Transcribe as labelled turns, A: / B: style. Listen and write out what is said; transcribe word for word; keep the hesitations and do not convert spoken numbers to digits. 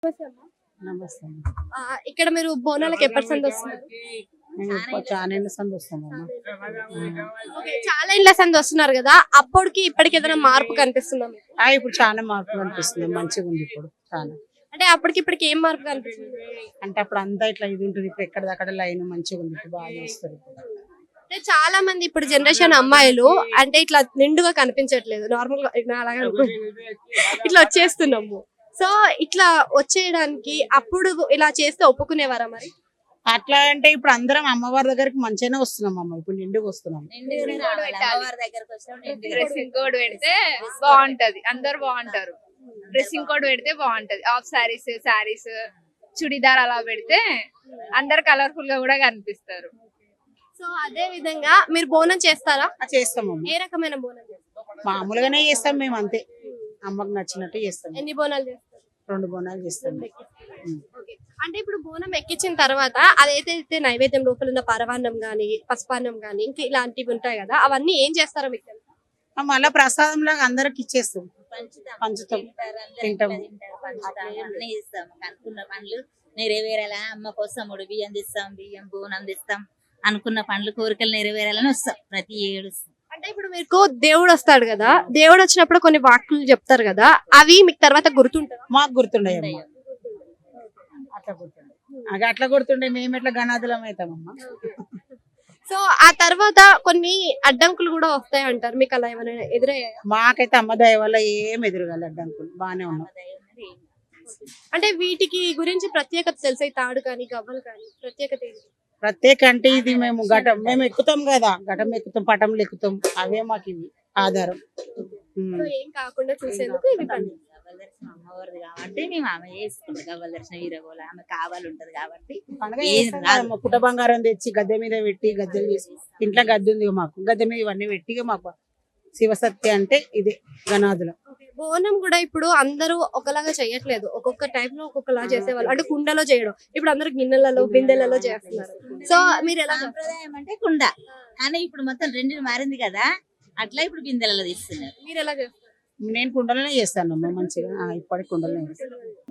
A: నమస్తే అమ్మ.
B: నమస్తే అమ్మ.
A: ఆ, ఇక్కడ మీరు బోనాలకు ఎప్పటి సంది వస్తున్నారు?
B: మేము ఇప్పుడు చాలా ఏళ్ళ సంది వస్తామమ్మా.
A: ఓకే, చాలా ఇండ్ల సంది వస్తున్నారు కదా, అప్పటికి ఇప్పటికి ఏదైనా మార్పు కనిపిస్తుందా మీకు?
B: ఆ, ఇప్పుడు చాలా మార్పు కనిపిస్తుంది, మంచిగా ఉంది ఇప్పుడు చాలా.
A: అంటే అప్పటికి ఇప్పటికి ఏం మార్పు కనిపిస్తుంది?
B: అంటే అప్పుడు అంతా ఇట్లా ఇది ఉంటుంది, ఇప్పుడు ఎక్కడిదక్కడ లైన్ మంచిగా ఉంది, ఇప్పుడు బాగా చేస్తారు ఇప్పుడు.
A: అంటే చాలా మంది ఇప్పుడు జనరేషన్ అమ్మాయిలు అంటే ఇట్లా నిండుగా కనిపించట్లేదు, నార్మల్ గా ఇట్లా అలాగే అనుకో- ఇట్లా వచ్చేస్తున్నాము. సో ఇట్లా వచ్చేయడానికి అప్పుడు ఇలా చేస్తే ఒప్పుకునేవారా మరి?
B: అట్లా అంటే ఇప్పుడు అందరం అమ్మవారి దగ్గరికి మంచిగానే వస్తున్నాం అమ్మ, ఇప్పుడు నిండుకు వస్తున్నాం.
C: డ్రెస్సింగ్ కోడ్ పెడితే బాగుంటది, అందరు బాగుంటారు. డ్రెస్సింగ్ కోడ్ పెడితే బాగుంటది. ఆఫ్ సారీస్, సారీస్, చుడిదార్ అలా పెడితే అందరు కలర్ఫుల్ గా కూడా కనిపిస్తారు.
A: సో అదే విధంగా మీరు బోనం చేస్తారా?
B: ఆ, చేస్తామమ్మ.
A: ఏ రకమైన బోనం చేస్తారు?
B: మామూలుగానే చేస్తాం మేము, అంతే అమ్మకి నచ్చినట్టు చేస్తాం.
A: ఎన్ని బోనాలు చేస్తారు?
B: రెండు బోనాలు చేస్తాం. ఉం.
A: ఓకే. అంటే ఇప్పుడు బోనం ఎక్కించిన తర్వాత అదైతే నైవేద్యం లోపల ఉన్న పరవాన్నం గానీ, పసుపాన్నం గానీ, ఇంకా ఇలాంటివి ఉంటాయి కదా, అవన్నీ ఏం చేస్తారో మీకు తెలుసా?
B: ఆ, మళ్ళా ప్రసాదం లాగా అందరికి ఇచ్చేస్తాం, పంచుతాం, తింటాం.
D: అన్ని ఇస్తాం. అనుకున్న పనులు నెరవేరాలా, అమ్మ కోసం మూడు బియ్యం తెస్తాం, బియ్యం బోనం తెస్తాం, అనుకున్న పనులు కోరికలు నెరవేరాలని వస్తాం ప్రతి ఏడు.
A: అంటే ఇప్పుడు మీకు దేవుడు వస్తాడు కదా, దేవుడు వచ్చినప్పుడు కొన్ని వాక్కులు చెప్తారు కదా, అవి మీకు తర్వాత గుర్తుంటారా?
B: మాకు గుర్తుండే అట్లా గుర్తుండే అగ అట్లా గుర్తుండే మేము ఎట్లా గణాదులం అవుతామమ్మా.
A: సో ఆ తర్వాత కొన్ని అడ్డంకులు కూడా వస్తాయి అంటారు, మీకు అలా ఏమైనా ఎదురయ్యాయా?
B: మాకైతే అమ్మ దయ వల్ల ఏం ఎదురుగాలి, అడ్డంకులు బాగానే ఉన్నాం.
A: అంటే వీటికి గురించి ప్రత్యేకత తెలుసా? ఈ తాడు కానీ గవ్వలు కానీ ప్రత్యేకత ఏంటి?
B: ప్రత్యేక అంటే ఇది మేము ఘటం మేము ఎక్కుతాం కదా, ఘటం ఎక్కుతాం, పటంలు ఎక్కుతాం, అవే మాకు ఇవి ఆధారం. ఉం.
A: సో ఏం కాకుండా చూసేందుకు ఇవి పని.
D: గవ్వల దర్శనం అమ్మవారిది కాబట్టి మేము ఆమె చేసుకుంటాం. గవ్వల దర్శనం వీరగోళ ఆమె కావాలి ఉంటది కాబట్టి
B: పండగ
D: ఏం
B: చేస్తాం
D: రాదు.
B: కదా, పుట్ట బంగారం తెచ్చి గద్దె మీద పెట్టి గద్దెలు చేసి, ఇంట్లో గద్దె ఉంది మాకు, గద్దె మీద ఇవన్నీ పెట్టి ఇక మాకు శివసత్య అంటే ఇదే గణాదులం.
A: ఓకే. బోనం కూడా ఇప్పుడు అందరూ ఒకలాగా చేయట్లేదు, ఒక్కొక్క టైప్ లో ఒక్కొక్కలా చేసేవాళ్ళు. అంటే కుండలో చేయడం, ఇప్పుడు అందరూ గిన్నెలలో బిందెలలో చేస్తున్నారు. సో మీరు ఎలా చేస్తారు?
D: సాంప్రదాయం అంటే కుండ, కానీ ఇప్పుడు మొత్తం రెండు మారింది కదా, అట్లా ఇప్పుడు బిందెలలో తీస్తున్నారు.
A: మీరు ఎలా చేస్తారు?
B: నేను కుండలోనే చేస్తాను అమ్మ, మంచిగా ఆ, ఇప్పటికి కుండలోనే చేస్తాను.